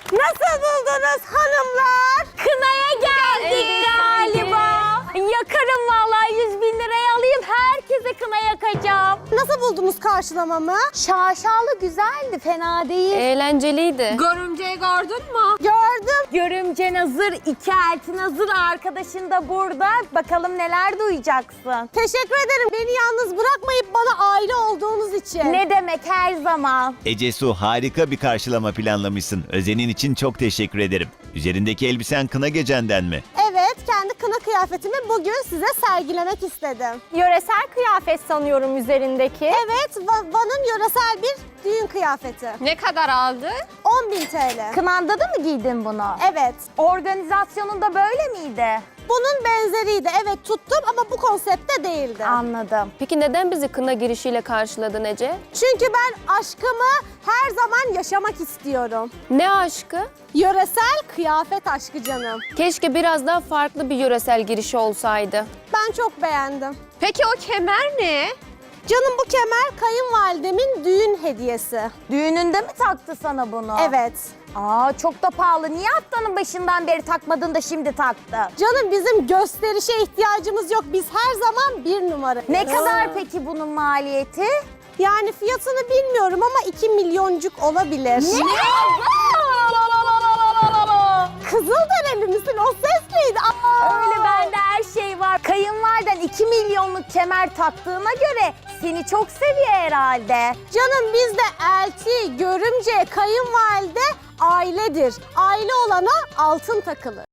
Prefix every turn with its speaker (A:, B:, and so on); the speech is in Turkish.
A: Nasıl buldunuz hanımlar?
B: Kınaya geldik galiba. Yakarım vallahi 100.000 liraya alayım. Herkese kına yakacağım.
A: Nasıl buldunuz karşılamamı?
B: Şaşalı güzeldi, fena değil.
C: Eğlenceliydi.
D: Görümceyi gördün mü?
A: Gördüm.
B: Görümcen hazır, iki eltin hazır, arkadaşın da burada. Bakalım neler duyacaksın.
A: Teşekkür ederim beni yalnız bırakmayıp bana aile olduğunuz için.
B: Ne demek, her zaman.
E: Ecesu, harika bir karşılama planlamışsın. Özenin için çok teşekkür ederim. Üzerindeki elbisen kına gecenden mi?
A: Evet, kendi kına kıyafetimi bugün size sergilemek istedim.
B: Yöresel kıyafet sanıyorum üzerindeki.
A: Evet, Van'ın yöresel bir düğün kıyafeti.
D: Ne kadar aldı?
A: 10.000 TL.
B: Kınanda da mı giydin bunu?
A: Evet.
B: Organizasyonunda böyle miydi?
A: Bunun benzeriydi. Evet tuttum ama bu konseptte değildi.
B: Anladım.
C: Peki neden bizi kına girişiyle karşıladın Ece?
A: Çünkü ben aşkımı her zaman yaşamak istiyorum.
C: Ne aşkı?
A: Yöresel kıyafet aşkı canım.
C: Keşke biraz daha farklı bir yöresel girişi olsaydı.
A: Ben çok beğendim.
D: Peki o kemer ne?
A: Canım bu kemer kayınvalidemin düğün hediyesi.
B: Düğününde mi taktı sana bunu?
A: Evet.
B: Aa, çok da pahalı. Niye haftanın başından beri takmadın da şimdi taktı?
A: Canım bizim gösterişe ihtiyacımız yok. Biz her zaman bir numara.
B: Ne kadar peki bunun maliyeti?
A: Yani fiyatını bilmiyorum ama 2 milyoncuk olabilir. Kızılderili misin? O ses neydi?
B: Öyle bende her şey var. Kayınvaliden 2 milyonluk kemer taktığına göre seni çok seviyor herhalde.
A: Canım bizde elti, görümce, kayınvalide ailedir. Aile olana altın takılır.